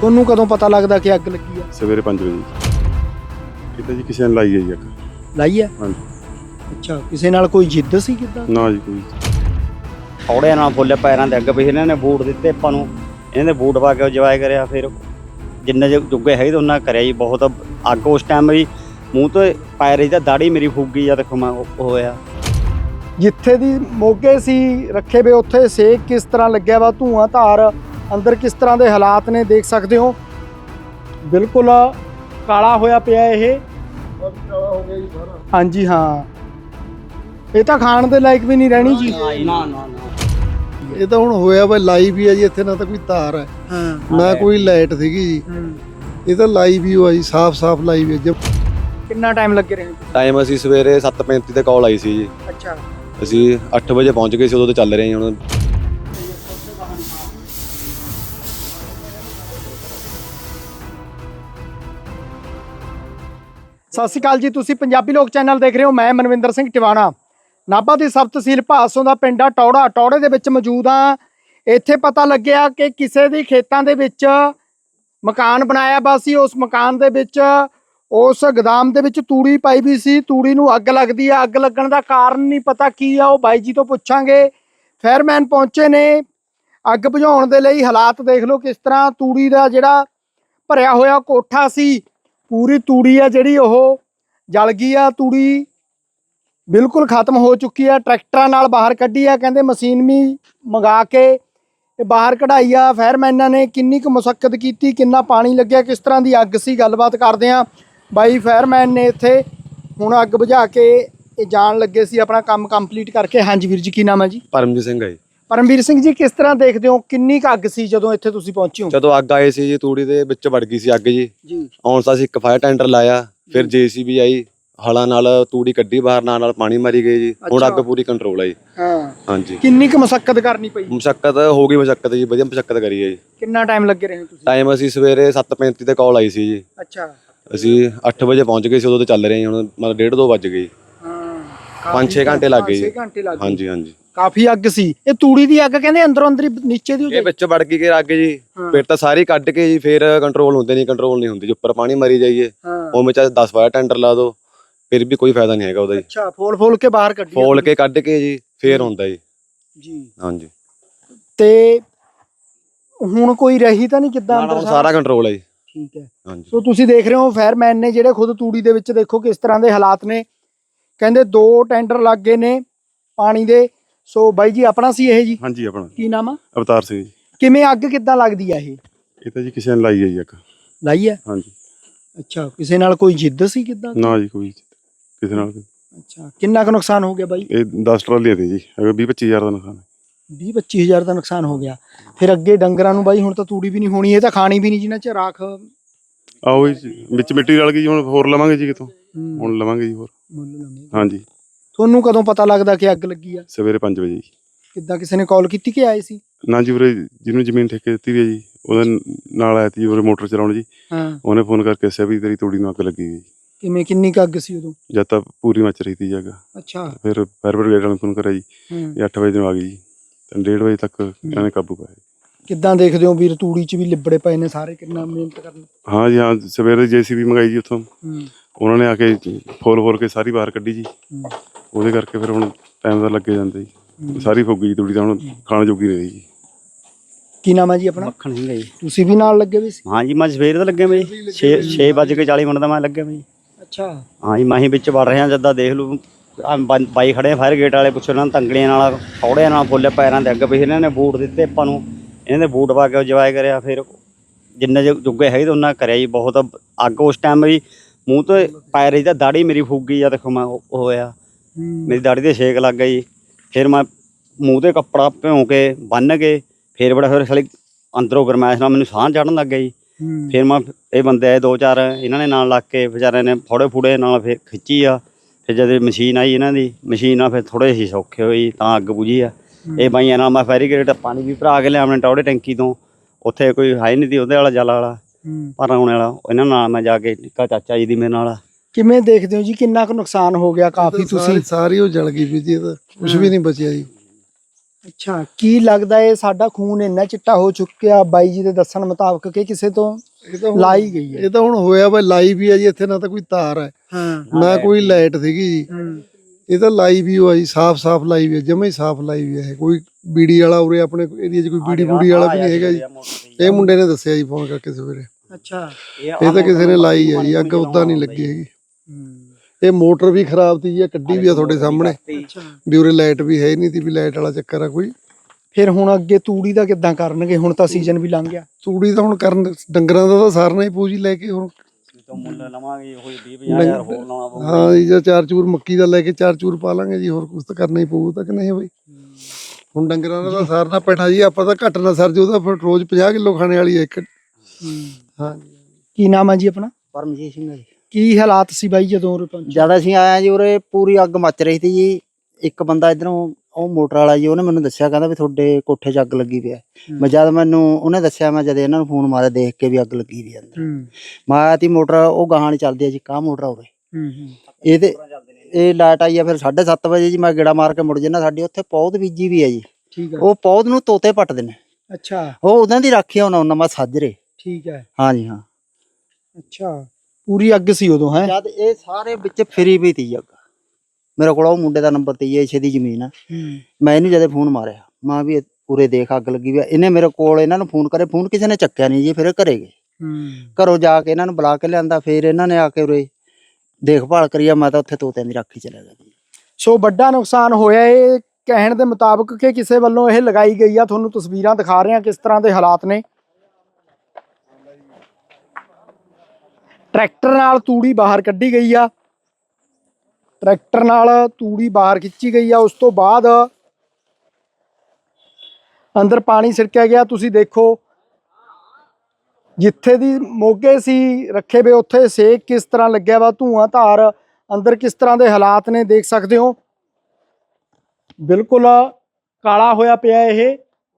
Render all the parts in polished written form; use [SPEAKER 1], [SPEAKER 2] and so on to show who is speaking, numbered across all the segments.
[SPEAKER 1] ਤੁਹਾਨੂੰ ਕਦੋਂ ਪਤਾ ਲੱਗਦਾ ਕਿ ਅੱਗ ਲੱਗੀ ਆ?
[SPEAKER 2] ਸਵੇਰੇ 5 ਵਜੇ ਇਹ ਤਾਂ ਜੀ ਕਿਸੇ ਨੇ ਲਾਈ ਹੈ ਜੀ ਅੱਗ।
[SPEAKER 1] ਲਾਈ ਆ?
[SPEAKER 2] ਹਾਂਜੀ।
[SPEAKER 1] ਅੱਛਾ, ਕਿਸੇ ਨਾਲ ਕੋਈ ਜਿੱਦ ਸੀ ਕਿੱਦਾਂ?
[SPEAKER 2] ਨਾ ਜੀ ਕੋਈ।
[SPEAKER 3] ਔੜਿਆਂ ਨਾਲ ਫੁੱਲੇ ਪੈਰਾਂ ਦੇ ਅੱਗ ਪਈ, ਇਹਨਾਂ ਨੇ ਬੂਟ ਦਿੱਤੇ ਆਪਾਂ ਨੂੰ, ਇਹਨਾਂ ਦੇ ਬੂਟ ਪਾ ਕੇ ਇੰਜੋਏ ਕਰਿਆ। ਫਿਰ ਜਿੰਨੇ ਜੁੱਗੇ ਹੈਗੇ ਉਹਨਾਂ ਕਰਿਆ ਜੀ। ਬਹੁਤ ਅੱਗ ਉਸ ਟਾਈਮ ਵੀ ਮੂੰਹ ਤੋਂ ਪੈ ਰਹੀ ਤਾਂ ਦਾੜੀ ਮੇਰੀ ਫੁੱਕ ਗਈ ਜਾਂ ਦੇਖੋ ਮੈਂ ਹੋਇਆ।
[SPEAKER 1] ਜਿੱਥੇ ਦੀ ਮੋਗੇ ਸੀ ਰੱਖੇ ਵੇ ਉੱਥੇ ਸੇਕ ਕਿਸ ਤਰ੍ਹਾਂ ਲੱਗਿਆ ਵਾ, ਧੂਆਂ ਧਾਰ, ਅੰਦਰ ਕਿਸ ਤਰ੍ਹਾਂ ਦੇ ਹਾਲਾਤ ਨੇ ਦੇਖ ਸਕਦੇ ਹੋ। ਬਿਲਕੁਲ ਕਾਲਾ ਹੋਇਆ ਪਿਆ ਇਹ। ਹਾਂਜੀ ਹਾਂ, ਇਹ ਤਾਂ ਖਾਣ ਦੇ ਲਾਇਕ ਵੀ ਨਹੀਂ ਰਹਿਣੀ ਜੀ।
[SPEAKER 3] ਨਾ ਨਾ
[SPEAKER 4] ਇਹ ਤਾਂ ਹੁਣ ਹੋਇਆ ਵਾ ਲਾਈਵ ਹੀ ਆ ਜੀ। ਇੱਥੇ ਨਾ ਤਾਂ ਕੋਈ ਤਾਰ ਹੈ ਨਾ ਕੋਈ ਲਾਈਟ ਸੀਗੀ ਜੀ। ਇਹ ਤਾਂ ਲਾਈਵ ਹੀ ਹੋਆ ਜੀ, ਸਾਫ਼ ਲਾਈਵ ਹੈ। ਜਦ
[SPEAKER 1] ਕਿੰਨਾ ਟਾਈਮ ਲੱਗੇ ਰਹੇ?
[SPEAKER 5] ਟਾਈਮ ਅਸੀਂ ਸਵੇਰੇ 7:35 ਤੇ ਕਾਲ ਆਈ ਸੀ ਜੀ।
[SPEAKER 1] ਅੱਛਾ,
[SPEAKER 5] ਅਸੀਂ 8 ਵਜੇ ਪਹੁੰਚ ਗਏ ਸੀ, ਉਦੋਂ ਤੋਂ ਚੱਲ ਰਹੇ ਹਾਂ ਹੁਣ।
[SPEAKER 1] ਸਤਿ ਸ਼੍ਰੀ ਅਕਾਲ ਜੀ, ਤੁਸੀਂ ਪੰਜਾਬੀ ਲੋਕ ਚੈਨਲ ਦੇਖ ਰਹੇ ਹੋ। ਮੈਂ ਮਨਵਿੰਦਰ ਸਿੰਘ ਟਿਵਾਣਾ। ਨਾਭਾ ਦੀ ਸਬ ਤਹਿਸੀਲ ਭਾਸੋਂ ਦਾ ਪਿੰਡ ਆ ਟੌੜਾ। ਟੌੜੇ ਦੇ ਵਿੱਚ ਮੌਜੂਦ ਆ। ਇੱਥੇ ਪਤਾ ਲੱਗਿਆ ਕਿ ਕਿਸੇ ਦੀ ਖੇਤਾਂ ਦੇ ਵਿੱਚ ਮਕਾਨ ਬਣਾਇਆ ਵਾ ਸੀ। ਉਸ ਮਕਾਨ ਦੇ ਵਿੱਚ, ਉਸ ਗੋਦਾਮ ਦੇ ਵਿੱਚ ਤੂੜੀ ਪਾਈ ਵੀ ਸੀ। ਤੂੜੀ ਨੂੰ ਅੱਗ ਲੱਗਦੀ ਆ। ਅੱਗ ਲੱਗਣ ਦਾ ਕਾਰਨ ਨਹੀਂ ਪਤਾ ਕੀ ਆ, ਉਹ ਬਾਈ ਜੀ ਤੋਂ ਪੁੱਛਾਂਗੇ। ਫਾਇਰਮੈਨ ਪਹੁੰਚੇ ਨੇ ਅੱਗ ਬੁਝਾਉਣ ਦੇ ਲਈ। ਹਾਲਾਤ ਦੇਖ ਲਓ ਕਿਸ ਤਰ੍ਹਾਂ। ਤੂੜੀ ਦਾ ਜਿਹੜਾ ਭਰਿਆ ਹੋਇਆ ਕੋਠਾ ਸੀ, ਪੂਰੀ ਤੂੜੀ ਆ ਜਿਹੜੀ ਉਹ ਜਲ ਗਈ ਆ। ਤੂੜੀ ਬਿਲਕੁਲ ਖਤਮ ਹੋ ਚੁੱਕੀ ਆ। ਟਰੈਕਟਰਾਂ ਨਾਲ ਬਾਹਰ ਕੱਢੀ ਆ, ਕਹਿੰਦੇ ਮਸ਼ੀਨ ਵੀ ਮੰਗਾ ਕੇ ਇਹ ਬਾਹਰ ਕਢਾਈ ਆ। ਫਾਇਰਮੈਨਾਂ ਨੇ ਕਿੰਨੀ ਕੁ ਮੁਸ਼ੱਕਤ ਕੀਤੀ, ਕਿੰਨਾ ਪਾਣੀ ਲੱਗਿਆ, ਕਿਸ ਤਰ੍ਹਾਂ ਦੀ ਅੱਗ ਸੀ, ਗੱਲਬਾਤ ਕਰਦੇ ਆ। ਬਾਈ ਫਾਇਰਮੈਨ ਨੇ ਇੱਥੇ ਹੁਣ ਅੱਗ ਬੁਝਾ ਕੇ ਇਹ ਜਾਣ ਲੱਗੇ ਸੀ ਆਪਣਾ ਕੰਮ ਕੰਪਲੀਟ ਕਰਕੇ। ਹਾਂਜੀ ਵੀਰ ਜੀ, ਕੀ ਨਾਮ ਹੈ ਜੀ?
[SPEAKER 5] ਪਰਮਜੀਤ ਸਿੰਘ ਹੈ ਜੀ।
[SPEAKER 1] ਪਰਮਵੀਰ ਸਿੰਘ ਜੀ, ਕਿਸ ਤਰ੍ਹਾਂ ਦੇਖਦੇ ਹੋ, ਕਿੰਨੀ ਕੁ ਅੱਗ ਸੀ ਜਦੋਂ ਇੱਥੇ ਤੁਸੀਂ ਪਹੁੰਚੇ ਹੋ?
[SPEAKER 5] ਜਦੋਂ ਅੱਗ ਆਈ ਸੀ ਜੀ, ਤੂੜੀ ਦੇ ਵਿੱਚ ਵੜ ਗਈ ਸੀ ਅੱਗ ਜੀ।
[SPEAKER 1] ਜੀ।
[SPEAKER 5] ਆਉਣ ਸਾਰ ਅਸੀਂ ਇੱਕ ਫਾਇਰ ਟੈਂਡਰ ਲਾਇਆ, ਫਿਰ ਜੀਸੀਬੀ ਆਈ, ਹਲਾਂ ਨਾਲ ਤੂੜੀ ਕੱਢੀ ਬਾਹਰ, ਨਾਲ ਪਾਣੀ ਮਾਰੀ ਗਈ ਜੀ। ਹੁਣ ਅੱਗ ਪੂਰੀ ਕੰਟਰੋਲ ਆ ਜੀ।
[SPEAKER 1] ਹਾਂ।
[SPEAKER 5] ਹਾਂਜੀ।
[SPEAKER 1] ਕਿੰਨੀ ਕੁ ਮੁਸ਼ੱਕਤ ਕਰਨੀ ਪਈ?
[SPEAKER 5] ਮੁਸ਼ੱਕਤ ਹੋ ਗਈ, ਮੁਸ਼ੱਕਤ ਜੀ, ਵਧੀਆ ਮੁਸ਼ੱਕਤ ਕਰੀ ਹੈ ਜੀ।
[SPEAKER 1] ਕਿੰਨਾ ਟਾਈਮ ਲੱਗੇ ਰਹੇ ਤੁਸੀਂ?
[SPEAKER 5] ਟਾਈਮ ਅਸੀਂ ਸਵੇਰੇ 7:35 ਤੇ ਕਾਲ ਆਈ ਸੀ ਜੀ।
[SPEAKER 1] ਅੱਛਾ।
[SPEAKER 5] ਅਸੀਂ 8 ਵਜੇ ਪਹੁੰਚ ਗਏ ਸੀ, ਉਦੋਂ ਤੋਂ ਚੱਲ ਰਹੇ ਹਾਂ ਹੁਣ। ਮਤਲਬ 1:30-2 ਵੱਜ ਗਏ।
[SPEAKER 1] ਹਾਂ,
[SPEAKER 5] 5-6 ਘੰਟੇ ਲੱਗ ਗਏ ਜੀ।
[SPEAKER 1] 6 ਘੰਟੇ ਲੱਗ ਗਏ।
[SPEAKER 5] ਹਾਂਜੀ ਹਾਂਜੀ।
[SPEAKER 1] ਕਾਫੀ ਅੱਗ ਸੀ। ਇਹ ਤੂੜੀ ਦੀ ਅੱਗ ਕਹਿੰਦੇ ਅੰਦਰੋਂ ਅੰਦਰ ਹੀ ਨੀਚੇ ਦੀ ਹੋ
[SPEAKER 5] ਇਹ ਵਿੱਚ ਵੜ ਗਈ ਕਿ ਅੱਗ ਜੀ। ਫਿਰ ਤਾਂ ਸਾਰੀ ਕੱਢ ਕੇ ਜੀ, ਫਿਰ ਕੰਟਰੋਲ ਹੁੰਦੇ ਨਹੀਂ, ਕੰਟਰੋਲ ਨਹੀਂ ਹੁੰਦੀ ਜੀ। ਉੱਪਰ ਪਾਣੀ ਮਾਰੀ ਜਾਈਏ, ਉਵੇਂ ਚਾਹੇ 10 ਫਾਇਰ ਟੈਂਡਰ ਲਾ ਦੋ, ਫਿਰ ਵੀ ਕੋਈ ਫਾਇਦਾ ਨਹੀਂ ਹੈਗਾ ਉਹਦਾ ਜੀ।
[SPEAKER 1] ਅੱਛਾ, ਫੋਲ ਕੇ ਬਾਹਰ ਕੱਢੀ?
[SPEAKER 5] ਫੋਲ ਕੇ ਕੱਢ ਕੇ ਜੀ, ਫੇਰ ਹੁੰਦਾ ਜੀ।
[SPEAKER 1] ਜੀ।
[SPEAKER 5] ਹਾਂਜੀ।
[SPEAKER 1] ਤੇ ਹੁਣ ਕੋਈ ਰਹੀ ਤਾਂ ਨਹੀਂ ਕਿੱਦਾਂ ਅੰਦਰ?
[SPEAKER 5] ਸਾਰਾ ਕੰਟਰੋਲ ਹੈ ਜੀ।
[SPEAKER 1] ਠੀਕ ਹੈ।
[SPEAKER 5] ਹਾਂਜੀ।
[SPEAKER 1] ਸੋ ਤੁਸੀਂ ਦੇਖ ਰਹੇ ਹੋ ਫਾਇਰਮੈਨ ਨੇ ਜਿਹੜੇ ਖੁਦ ਤੂੜੀ ਦੇ ਵਿੱਚ, ਦੇਖੋ ਕਿਸ ਤਰ੍ਹਾਂ ਦੇ ਹਾਲਾਤ ਨੇ। ਕਹਿੰਦੇ 2 ਟੈਂਡਰ ਲੱਗ ਗਏ ਨੇ ਪਾਣੀ ਦੇ। ਸੋ ਬਾਈ ਜੀ ਆਪਣਾ ਸੀ ਇਹ ਜੀ?
[SPEAKER 2] ਹਾਂਜੀ ਆਪਣਾ।
[SPEAKER 1] ਕੀ ਨਾਮ ਆ?
[SPEAKER 2] ਅਵਤਾਰ ਸਿੰਘ ਜੀ।
[SPEAKER 1] ਕਿਵੇਂ ਅੱਗ ਕਿੱਦਾਂ ਲੱਗਦੀ ਆ ਇਹ?
[SPEAKER 2] ਇਹ ਤਾਂ ਜੀ ਕਿਸੇ ਨੇ ਲਾਈ ਹੈ ਜੀ ਅੱਗ।
[SPEAKER 1] ਲਾਈ ਆ?
[SPEAKER 2] ਹਾਂਜੀ।
[SPEAKER 1] ਅੱਛਾ, ਕਿਸੇ ਨਾਲ ਕੋਈ ਜਿੱਦ ਸੀ ਕਿੱਦਾਂ?
[SPEAKER 2] ਨਾ ਜੀ ਕੋਈ ਕਿਸੇ ਨਾਲ।
[SPEAKER 1] ਅੱਛਾ, ਕਿੰਨਾ ਕੁ ਨੁਕਸਾਨ ਹੋ ਗਿਆ ਬਾਈ?
[SPEAKER 2] ਇਹ 10 ਟਰਾਲੀਆਂ ਸੀ ਜੀ। 20-25 ਹਜ਼ਾਰ ਦਾ ਨੁਕਸਾਨ।
[SPEAKER 1] 20-25 ਹਜ਼ਾਰ ਦਾ ਨੁਕਸਾਨ ਹੋ ਗਿਆ। ਫਿਰ ਅੱਗੇ ਡੰਗਰਾਂ ਨੂੰ ਬਾਈ ਹੁਣ ਤਾਂ ਤੂੜੀ ਵੀ ਨਹੀਂ ਹੋਣੀ, ਇਹ ਤਾਂ ਖਾਣੀ ਵੀ ਨਹੀਂ ਜਿੰਨਾ ਚ ਰਾਖ।
[SPEAKER 2] ਆਓ ਜੀ, ਵਿੱਚ ਮਿੱਟੀ ਰਲ ਗਈ। ਹੁਣ ਹੋਰ ਲਵਾਂਗੇ ਜੀ ਕਿਤੋਂ, ਹੁਣ ਲਵਾਂਗੇ ਜੀ ਹੋਰ। ਹਾਂਜੀ।
[SPEAKER 1] ਤੁਹਾਨੂੰ ਕਦੋਂ ਪਤਾ ਲੱਗਦਾ ਕਿ ਅੱਗ ਲੱਗੀ ਆ?
[SPEAKER 2] ਸਵੇਰੇ 5 ਵਜੇ ਜੀ।
[SPEAKER 1] ਕਿੱਦਾਂ, ਕਿਸੇ ਨੇ ਕਾਲ ਕੀਤੀ ਕਿ ਆਏ ਸੀ?
[SPEAKER 2] ਨਾ ਜੀ, ਉਰੇ ਜਿਹਨੂੰ ਜ਼ਮੀਨ ਠੇਕੇ ਦਿੱਤੀ ਵੀ ਹੈ ਜੀ, ਉਹਦੇ ਨਾਲ ਆਇਆ ਸੀ ਉਰੇ ਮੋਟਰ ਚਲਾਉਣ ਜੀ।
[SPEAKER 1] ਹਾਂ।
[SPEAKER 2] ਉਹਨੇ ਫੋਨ ਕਰਕੇ ਦੱਸਿਆ ਵੀ ਤੇਰੀ ਤੂੜੀ ਨੂੰ ਅੱਗ ਲੱਗੀ ਗਈ।
[SPEAKER 1] ਕਿਵੇਂ, ਕਿੰਨੀ ਕੁ ਅੱਗ ਸੀ ਉਦੋਂ?
[SPEAKER 2] ਜਦ ਤੱਕ ਪੂਰੀ ਮੱਚ ਰਹੀ ਸੀ ਅੱਗ।
[SPEAKER 1] ਅੱਛਾ।
[SPEAKER 2] ਫਿਰ ਫਾਇਰ ਬ੍ਰਿਗੇਡ ਵਾਲਿਆਂ ਨੂੰ ਫੋਨ ਕਰਿਆ ਜੀ। ਇਹ 8 ਵਜੇ ਨੂੰ ਆ ਗਈ ਜੀ। ਤੇ 1:30 ਵਜੇ ਤੱਕ ਇਹਨਾਂ ਨੇ ਕਾਬੂ ਪਾਇਆ।
[SPEAKER 1] ਕਿੱਦਾਂ ਦੇਖਦੇ ਹੋ ਵੀਰ, ਤੂੜੀ ਚ ਵੀ ਲਿਬੜੇ ਪਏ ਨੇ ਸਾਰੇ, ਕਿੰਨਾ ਮਿਹਨਤ ਕਰਨ।
[SPEAKER 2] ਹਾਂ ਜੀ ਹਾਂ, ਸਵੇਰੇ JCB ਮੰਗਾਈ ਜੀ ਉੱਥੋਂ। ਉਹਨਾਂ ਨੇ ਆ ਕੇ ਫੋਲ ਕੇ ਸਾਰੀ ਬਾਹਰ ਕੱਢੀ ਜੀ। ਉਹਦੇ ਕਰਕੇ ਫਿਰ ਹੁਣ ਟਾਈਮ ਦਾ ਲੱਗੇ ਜਾਂਦਾ ਜੀ। ਸਾਰੀ ਫੁੱਗ ਗਈ ਤੂੜੀ ਤਾਂ ਹੁਣ ਖਾਣ ਜੋਗੀ ਰਹੀ ਜੀ।
[SPEAKER 1] ਕੀ ਨਾਮ ਹੈ ਜੀ ਆਪਣਾ?
[SPEAKER 3] ਮੱਖਣ ਸਿੰਘ ਹੈ ਜੀ।
[SPEAKER 1] ਤੁਸੀਂ ਵੀ ਨਾਲ ਲੱਗੇ ਵੀ ਸੀ?
[SPEAKER 3] ਹਾਂਜੀ, ਮੈਂ ਸਵੇਰ ਦਾ ਲੱਗਿਆ ਬਈ 6:40 ਮਿੰਟ ਦਾ ਮੈਂ ਲੱਗਿਆ ਬਈ।
[SPEAKER 1] ਅੱਛਾ।
[SPEAKER 3] ਹਾਂਜੀ, ਮੈਂ ਹੀ ਵਿੱਚ ਵੜ ਰਿਹਾ। ਜਦਾਂ ਦੇਖ ਲੂ ਬਾਈ ਖੜੇ ਫਾਇਰ ਗੇਟ ਵਾਲੇ, ਪੁੱਛੋ ਇਹਨਾਂ ਨੂੰ ਤੰਗੜੀਆਂ ਨਾਲ, ਔੜਿਆਂ ਨਾਲ ਫੁੱਲੇ ਪੈਰਾਂ ਦੇ ਅੱਗ ਪਈ। ਇਹਨਾਂ ਨੇ ਬੂਟ ਦਿੱਤੇ ਆਪਾਂ ਨੂੰ, ਇਹਨਾਂ ਦੇ ਬੂਟ ਪਾ ਕੇ ਇੰਜੋਏ ਕਰਿਆ। ਫਿਰ ਜਿੰਨੇ ਜੁੱਗੇ ਹੈਗੇ ਉਹਨਾਂ ਕਰਿਆ ਜੀ। ਬਹੁਤ ਅੱਗ ਉਸ ਟਾਈਮ ਵੀ ਮੂੰਹ ਤੋਂ ਪੈ ਰਹੀ ਤਾਂ ਦਾੜੀ ਮੇਰੀ ਫੁੱਕ ਗਈ ਜਾਂ ਦੇਖੋ ਮੈਂ ਹੋਇਆ। ਮੇਰੀ ਦਾੜੀ ਤੇ ਛੇਕ ਲੱਗ ਗਿਆ ਜੀ। ਫਿਰ ਮੈਂ ਮੂੰਹ ਤੇ ਕੱਪੜਾ ਭਿਉਂ ਕੇ ਬੰਨ੍ਹ ਕੇ ਫਿਰ ਬੜਾ, ਫਿਰ ਸਾਲੀ ਅੰਦਰੋਂ ਗਰਮੈਸ਼ ਨਾਲ ਮੈਨੂੰ ਸਾਹ ਚੜ੍ਹਨ ਲੱਗ ਗਿਆ ਜੀ। ਫਿਰ ਮੈਂ ਇਹ ਬੰਦੇ ਆਏ 2-4, ਇਹਨਾਂ ਨੇ ਨਾਲ ਲੱਗ ਕੇ ਵਿਚਾਰਿਆਂ ਨੇ ਫੋੜੇ ਨਾਲ ਫਿਰ ਖਿੱਚੀ ਆ। ਫਿਰ ਜਦ ਮਸ਼ੀਨ ਆਈ ਇਹਨਾਂ ਦੀ, ਮਸ਼ੀਨ ਨਾਲ ਫਿਰ ਥੋੜ੍ਹੇ ਜਿਹੇ ਸੌਖੇ ਹੋਈ ਤਾਂ ਅੱਗ ਬੁਝੀ ਆ। ਇਹ ਬਾਈਆਂ ਨਾਲ ਮੈਂ ਫੈਰੀਗੇਟ ਪਾਣੀ ਵੀ ਭਰਾ ਕੇ ਲਿਆ ਆਪਣੇ ਟੌੜੇ ਟੈਂਕੀ ਤੋਂ। ਉੱਥੇ ਕੋਈ ਹੈ ਨਹੀਂ ਸੀ ਉਹਦੇ ਵਾਲਾ ਜਲ ਵਾਲਾ ਭਰਨ ਵਾਲਾ। ਇਹਨਾਂ ਨਾਲ ਮੈਂ ਜਾ ਕੇ ਨਿੱਕਾ ਚਾਚਾ ਜੀ ਦੀ ਮੇਰੇ ਨਾਲ।
[SPEAKER 1] ਕਿਵੇਂ ਦੇਖਦੇ ਹੋ ਜੀ, ਕਿੰਨਾ ਕੁ ਨੁਕਸਾਨ ਹੋ ਗਿਆ? ਕਾਫੀ ਤੁਸੀਂ
[SPEAKER 4] ਸਾਰੀ ਉਹ ਜਲ ਗਈ ਵੀ ਜੀ। ਇਹਦਾ ਕੁਝ ਵੀ ਨਹੀਂ ਬਚਿਆ ਜੀ।
[SPEAKER 1] ਅੱਛਾ, ਕੀ ਲੱਗਦਾ ਇਹ ਸਾਡਾ ਖੂਨ ਇੰਨਾ ਚਿੱਟਾ ਹੋ ਚੁੱਕਿਆ ਬਾਈ ਜੀ ਦੇ ਦੱਸਣ ਮੁਤਾਬਕ ਕਿ ਕਿਸੇ ਤੋਂ
[SPEAKER 4] ਇਹ ਤਾਂ
[SPEAKER 1] ਲਾਈ ਗਈ ਹੈ?
[SPEAKER 4] ਇਹ ਤਾਂ ਹੁਣ ਹੋਇਆ ਵਾ ਲਾਈਵ ਹੀ ਆ ਜੀ, ਇੱਥੇ ਨਾ ਤਾਂ ਕੋਈ ਤਾਰ ਹੈ
[SPEAKER 1] ਹਾਂ
[SPEAKER 4] ਨਾ ਕੋਈ ਲਾਈਟ ਸੀਗੀ ਜੀ। ਇਹ ਤਾਂ ਲਾਈਵ ਹੀ ਹੋਆ ਜੀ, ਸਾਫ਼ ਲਾਈਵ ਹੈ, ਜਮਾ ਹੀ ਸਾਫ਼ ਲਾਈਵ ਹੈ। ਕੋਈ ਬੀੜੀ ਵਾਲਾ ਉਰੇ ਆਪਣੇ ਏਰੀਆ 'ਚ ਕੋਈ ਬੀੜੀ ਬੂੜੀ ਵਾਲਾ ਵੀ ਨਹੀਂ ਹੈਗਾ ਜੀ। ਇਹ ਮੁੰਡੇ ਨੇ ਦੱਸਿਆ ਜੀ ਫੋਨ ਕਰਕੇ ਸਵੇਰੇ।
[SPEAKER 1] ਅੱਛਾ,
[SPEAKER 4] ਇਹ ਤਾਂ ਕਿਸੇ ਨੇ ਲਾਈ ਹੈ ਜੀ, ਅੱਗ ਉਦਾਂ ਨਹੀਂ ਲੱਗੀ ਹੈਗੀ। ਇਹ ਮੋਟਰ ਵੀ ਖਰਾਬ ਤੀ ਜੀ, ਕੱਢੀ ਵੀ ਆ ਤੁਹਾਡੇ ਸਾਹਮਣੇ ਵੀ ਉਰੇ ਲਾਈਟ ਵੀ ਹੈ ਨਹੀਂ ਤੀ, ਵੀ ਲਾਈਟ ਵਾਲਾ ਚੱਕਰ ਆ ਕੋਈ।
[SPEAKER 1] ਫਿਰ ਹੁਣ ਅੱਗੇ ਤੂੜੀ ਦਾ ਕਿੱਦਾਂ ਕਰਨਗੇ? ਹੁਣ ਤਾਂ ਸੀਜ਼ਨ ਵੀ ਲੰਘ ਗਿਆ।
[SPEAKER 4] ਤੂੜੀ ਤਾਂ ਹੁਣ ਕਰਨ ਡੰਗਰਾਂ ਦਾ ਤਾਂ ਸਾਰਨਾ ਹੀ ਪੂਜੀ ਲੈ ਕੇ ਹੁਣ।
[SPEAKER 3] ਮੁੱਲ ਲਵਾਂਗੇ ਕੋਈ 20-50 ਹੋਰ ਲਾਉਣਾ ਪਊਗਾ।
[SPEAKER 4] ਹਾਂ ਜੀ, ਜਾਂ 4 ਚੂਰ ਮੱਕੀ ਦਾ ਲੈ ਕੇ 4 ਚੂਰ ਪਾ ਲਾਂਗੇ ਜੀ, ਹੋਰ ਕੁਝ ਤਾਂ ਕਰਨਾ ਹੀ ਪਊ ਤਾਂ ਕਿ ਨਹੀਂ ਬਈ। ਹੁਣ ਡੰਗਰਾਂ ਦਾ ਤਾਂ ਸਾਰਨਾ ਪੈਣਾ ਜੀ, ਆਪਾਂ ਤਾਂ ਘੱਟ ਨਾ ਸਰ ਜੂ, ਉਹਦਾ ਫਿਰ ਰੋਜ਼ 50 ਕਿਲੋ ਖਾਣੇ ਵਾਲੀ ਹੈ ਇੱਕ। ਹਾਂ ਜੀ।
[SPEAKER 1] ਕੀ ਨਾਮ ਹੈ ਜੀ ਆਪਣਾ?
[SPEAKER 3] ਪਰਮਜੀਤ ਸਿੰਘ ਜੀ।
[SPEAKER 1] ਕੀ ਹਾਲਾਤ ਸੀ ਬਾਈ ਜਦੋਂ ਉਰੇ ਪਹੁੰਚੇ?
[SPEAKER 3] ਜਦ ਅਸੀਂ ਆਏ ਜੀ ਉਰੇ ਪੂਰੀ ਅੱਗ ਮੱਚ ਰਹੀ ਸੀ ਜੀ। ਇੱਕ ਬੰਦਾ ਇਧਰੋਂ ਉਹ ਮੋਟਰ ਵਾਲਾ ਜੀ, ਉਹਨੇ ਮੈਨੂੰ ਦੱਸਿਆ, ਕਹਿੰਦਾ ਵੀ ਤੁਹਾਡੇ ਕੋਠੇ 'ਚ ਅੱਗ ਲੱਗੀ ਪਈ ਹੈ। ਮੈਂ ਜਦ ਮੈਨੂੰ ਉਹਨੇ ਦੱਸਿਆ, ਮੈਂ ਜਦ ਇਹਨਾਂ ਨੂੰ ਫੋਨ ਮਾਰਿਆ ਦੇਖ ਕੇ ਵੀ ਅੱਗ ਲੱਗੀ ਪਈ ਅੰਦਰ। ਮੈਂ ਆਇਆ ਤੀ ਮੋਟਰ ਉਹ ਗਾਹਾਂ ਨਹੀਂ ਚੱਲਦੀ ਆ ਜੀ, ਕਾਹ ਮੋਟਰ ਉਰੇ ਇਹਦੇ ਇਹ ਲਾਈਟ ਆਈ ਆ। ਫਿਰ 7:30 ਵਜੇ ਜੀ ਮੈਂ ਗੇੜਾ ਮਾਰ ਕੇ ਮੁੜ ਜੰਨਾ। ਸਾਡੇ ਉੱਥੇ ਪੌਦ ਬੀਜੀ ਵੀ ਹੈ ਜੀ,
[SPEAKER 1] ਠੀਕ ਹੈ।
[SPEAKER 3] ਉਹ ਪੌਦ ਨੂੰ ਤੋਤੇ ਪੱਟਦੇ ਨੇ।
[SPEAKER 1] ਅੱਛਾ,
[SPEAKER 3] ਉਹ ਉਹਨਾਂ ਦੀ ਰਾਖੀ ਉਹਨਾਂ ਨਵਾਂ ਸਾਜਰੇ।
[SPEAKER 1] ਠੀਕ ਹੈ।
[SPEAKER 3] ਹਾਂ ਜੀ ਹਾਂ।
[SPEAKER 1] ਅੱਛਾ, ਪੂਰੀ ਅੱਗ ਸੀ ਉਦੋਂ ਹੈ?
[SPEAKER 3] ਜਦ ਇਹ ਸਾਰੇ ਵਿੱਚ ਫਰੀ ਵੀ ਤੀ ਅੱਗ। ਮੇਰੇ ਕੋਲ ਉਹ ਮੁੰਡੇ ਦਾ ਨੰਬਰ ਤੇ ਇਸੇ ਦੀ ਜ਼ਮੀਨ ਆ। ਮੈਂ ਇਹਨੂੰ ਜਦੇ ਫੋਨ ਮਾਰਿਆ, ਮਾਂ ਵੀ ਉਰੇ ਦੇਖ ਅੱਗ ਲੱਗੀ ਵੀ। ਇਹਨੇ ਮੇਰੇ ਕੋਲ ਇਹਨਾਂ ਨੂੰ ਫੋਨ ਕਰੇ, ਫੋਨ ਕਿਸੇ ਨੇ ਚੱਕਿਆ ਨਹੀਂ ਜੀ। ਫਿਰ ਘਰੇ ਗਏ, ਘਰੋਂ ਜਾ ਕੇ ਇਹਨਾਂ ਨੂੰ ਬੁਲਾ ਕੇ ਲਿਆਂਦਾ। ਫਿਰ ਇਹਨਾਂ ਨੇ ਆ ਕੇ ਉਰੇ ਦੇਖਭਾਲ ਕਰੀ ਆ। ਮੈਂ ਤਾਂ ਉੱਥੇ ਤੋਤਿਆਂ ਦੀ ਰਾਖੀ ਚਲਾ ਗਿਆ ਜੀ।
[SPEAKER 1] ਸੋ ਵੱਡਾ ਨੁਕਸਾਨ ਹੋਇਆ ਇਹ ਕਹਿਣ ਦੇ ਮੁਤਾਬਕ ਕਿ ਕਿਸੇ ਵੱਲੋਂ ਇਹ ਲਗਾਈ ਗਈ ਆ। ਤੁਹਾਨੂੰ ਤਸਵੀਰਾਂ ਦਿਖਾ ਰਹੇ ਹਾਂ ਕਿਸ ਤਰ੍ਹਾਂ ਦੇ ਹਾਲਾਤ ਨੇ। ਟਰੈਕਟਰ ਨਾਲ ਤੂੜੀ ਬਾਹਰ ਕੱਢੀ ਗਈ ਆ, ਟਰੈਕਟਰ ਨਾਲ ਤੂੜੀ ਬਾਹਰ ਖਿੱਚੀ ਗਈ ਆ। ਉਸ ਤੋਂ ਬਾਅਦ ਅੰਦਰ ਪਾਣੀ ਛਿੜਕਿਆ ਗਿਆ। ਤੁਸੀਂ ਦੇਖੋ ਜਿੱਥੇ ਦੀ ਮੋਗੇ ਸੀ ਰੱਖੇ ਵੇ, ਉੱਥੇ ਸੇਕ ਕਿਸ ਤਰ੍ਹਾਂ ਲੱਗਿਆ ਵਾ, ਧੂਆਂ ਧਾਰ, ਅੰਦਰ ਕਿਸ ਤਰ੍ਹਾਂ ਦੇ ਹਾਲਾਤ ਨੇ ਦੇਖ ਸਕਦੇ ਹੋ। ਬਿਲਕੁਲ ਕਾਲਾ ਹੋਇਆ ਪਿਆ ਇਹ।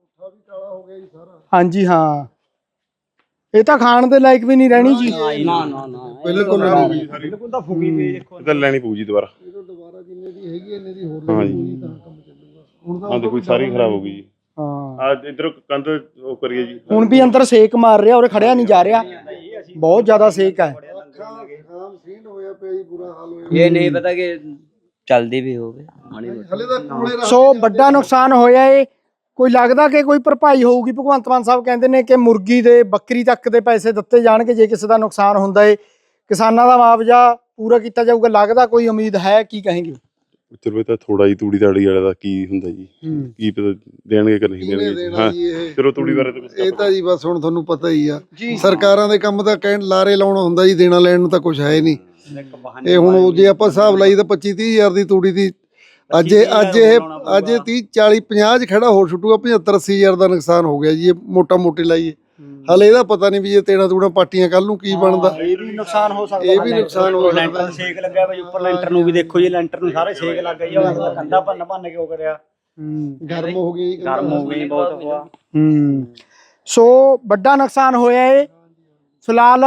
[SPEAKER 1] ਹਾਂਜੀ ਹਾਂ, ਇਹ ਤਾਂ ਖਾਣ ਦੇ ਲਾਇਕ ਵੀ ਨਹੀਂ ਰਹਿਣੀ ਜੀ।
[SPEAKER 3] ਨਾ
[SPEAKER 4] ਬਿਲਕੁਲ
[SPEAKER 3] ਬਿਲਕੁਲ ਤਾਂ ਫੁਕੀ ਪਈ ਦੇਖੋ।
[SPEAKER 2] ਇਹਦਾ ਲੈਣੀ ਪਊ ਜੀ ਦੁਬਾਰਾ।
[SPEAKER 4] ਦੁਬਾਰਾ ਜਿੰਨੇ ਦੀ ਹੈਗੀ ਇੰਨੇ ਦੀ ਹੋਰ
[SPEAKER 2] ਹਾਂ
[SPEAKER 4] ਲੈਣੀ
[SPEAKER 2] ਜੀ।
[SPEAKER 4] ਪਊਗੀ ਤਾਂ ਕੰਮ ਚੱਲੂਗਾ। ਹੁਣ ਤਾਂ
[SPEAKER 2] ਹਾਂ ਦੇਖੋ ਸਾਰੀ ਖਰਾਬ ਹੋ ਗਈ ਜੀ।
[SPEAKER 1] ਹਾਂ,
[SPEAKER 2] ਆ ਇਧਰ ਕੰਧ ਉਹ ਕਰੀਏ ਜੀ।
[SPEAKER 1] ਹੁਣ ਵੀ ਅੰਦਰ ਸੇਕ ਮਾਰ ਰਿਹਾ, ਉਰੇ ਖੜਿਆ ਨਹੀਂ ਜਾ ਰਿਹਾ, ਬਹੁਤ ਜ਼ਿਆਦਾ ਸੇਕ ਹੈ।
[SPEAKER 4] ਖਾਮ ਸੀਂਡ ਹੋਇਆ ਪਿਆ ਜੀ, ਬੁਰਾ ਹਾਲ ਹੋਇਆ।
[SPEAKER 6] ਇਹ ਨਹੀਂ ਪਤਾ ਕਿ ਚਲਦੀ ਵੀ ਹੋਵੇ
[SPEAKER 4] ਹਲੇ ਤਾਂ ਕੋਲੇ ਰੱਖ
[SPEAKER 1] ਸੋ ਵੱਡਾ ਨੁਕਸਾਨ ਹੋਇਆ ਏ। ਕੋਈ ਲੱਗਦਾ ਕਿ ਕੋਈ ਭਰਪਾਈ ਹੋਊਗੀ? ਭਗਵੰਤ ਮਾਨ ਸਾਹਿਬ ਕਹਿੰਦੇ ਨੇ ਕਿ ਮੁਰਗੀ ਦੇ ਬੱਕਰੀ ਤੱਕ ਦੇ ਪੈਸੇ ਦਿੱਤੇ ਜਾਣਗੇ ਜੇ ਕਿਸੇ ਦਾ ਨੁਕਸਾਨ ਹੁੰਦਾ ਏ, ਕਿਸਾਨਾਂ ਦਾ ਮੁਆਵਜ਼ਾ ਪੂਰਾ ਕੀਤਾ ਜਾਊਗਾ। ਲੱਗਦਾ ਕੋਈ ਉਮੀਦ ਹੈ? ਕੀ ਕਹੇਂਗੇ?
[SPEAKER 2] ਚਲੋ ਇਹ ਤਾਂ ਥੋੜਾ ਜੀ ਤੂੜੀ ਤਾੜੀ ਵਾਲੇ ਦਾ ਕੀ ਹੁੰਦਾ ਜੀ, ਕੀ ਪਤਾ ਦੇਣਗੇ ਕਿ ਨਹੀਂ ਦੇਣਗੇ।
[SPEAKER 4] ਦੇਣਾ
[SPEAKER 2] ਹਾਂ
[SPEAKER 4] ਜੀ ਇਹ।
[SPEAKER 2] ਚਲੋ ਤੂੜੀ ਬਾਰੇ ਤਾਂ ਕੁਛ
[SPEAKER 4] ਇਹ ਤਾਂ ਜੀ ਬਸ ਹੁਣ ਤੁਹਾਨੂੰ ਪਤਾ ਹੀ ਆ, ਸਰਕਾਰਾਂ ਦੇ ਕੰਮ ਤਾਂ ਕਹਿਣ ਲਾਰੇ ਲਾਉਣਾ ਹੁੰਦਾ ਜੀ, ਦੇਣਾ ਲੈਣ ਨੂੰ ਤਾਂ ਕੁਝ ਹੈ ਨਹੀਂ। ਇਹ ਹੁਣ ਉਹ ਜੇ ਆਪਾਂ ਹਿਸਾਬ ਲਾਈ ਤਾਂ 25-30 ਹਜ਼ਾਰ ਦੀ ਤੂੜੀ ਦੀ ਅੱਜ ਇਹ 30 40 50 ਚ ਖੜਾ ਹੋਰ ਛੁੱਟੂਗਾ। 75-80 ਹਜ਼ਾਰ ਦਾ ਨੁਕਸਾਨ ਹੋ ਗਿਆ ਜੀ, ਇਹ ਮੋਟਾ ਮੋਟੀ ਲਾਈਏ। ਹਲੇ ਇਹਦਾ ਪਤਾ ਨਹੀਂ ਵੀ ਇਹ ਤੇੜਾ ਤੂੜਾ ਪਾਟੀਆਂ ਕੱਲ ਨੂੰ ਕੀ ਬਣਦਾ।
[SPEAKER 3] ਇਹ ਵੀ ਨੁਕਸਾਨ ਹੋ ਸਕਦਾ।
[SPEAKER 4] ਇਹ ਵੀ ਨੁਕਸਾਨ ਹੋ ਸਕਦਾ।
[SPEAKER 3] ਲੈਂਟਰ ਸੇਕ ਲੱਗਿਆ ਬਈ, ਉੱਪਰ ਲੈਂਟਰ ਨੂੰ ਵੀ ਦੇਖੋ ਜੀ, ਲੈਂਟਰ ਨੂੰ ਸਾਰੇ ਸੇਕ ਲੱਗ ਗਈ। ਉਹ ਕੰਧਾ ਭੰਨ ਕੇ ਉਹ ਕਰਿਆ,
[SPEAKER 4] ਗਰਮ ਹੋ ਗਈ ਜੀ,
[SPEAKER 3] ਗਰਮ ਹੋ ਗਈ ਬਹੁਤ ਹਵਾ।
[SPEAKER 1] ਸੋ ਵੱਡਾ ਨੁਕਸਾਨ ਹੋਇਆ ਏ। ਫਿਲਹਾਲ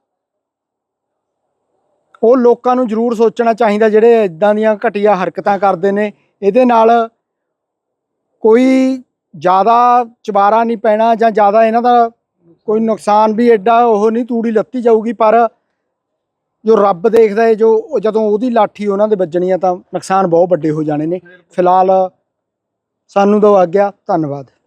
[SPEAKER 1] ਉਹ ਲੋਕਾਂ ਨੂੰ ਜ਼ਰੂਰ ਸੋਚਣਾ ਚਾਹੀਦਾ ਜਿਹੜੇ ਇਦਾਂ ਦੀਆਂ ਘਟੀਆ ਹਰਕਤਾਂ ਕਰਦੇ ਨੇ। ਇਹਦੇ ਨਾਲ ਕੋਈ ਜ਼ਿਆਦਾ ਚਬਾਰਾ ਨਹੀਂ ਪੈਣਾ ਜਾਂ ਜ਼ਿਆਦਾ ਇਹਨਾਂ ਦਾ ਕੋਈ ਨੁਕਸਾਨ ਵੀ ਐਡਾ ਉਹ ਨਹੀਂ, ਤੂੜੀ ਲੱਤੀ ਜਾਊਗੀ। ਪਰ ਜੋ ਰੱਬ ਦੇਖਦਾ ਹੈ, ਜੋ ਜਦੋਂ ਉਹਦੀ ਲਾਠੀ ਉਹਨਾਂ ਦੇ ਵੱਜਣੀ ਆ ਤਾਂ ਨੁਕਸਾਨ ਬਹੁਤ ਵੱਡੇ ਹੋ ਜਾਣੇ ਨੇ। ਫਿਲਹਾਲ ਸਾਨੂੰ ਦਿਓ ਆਗਿਆ, ਧੰਨਵਾਦ।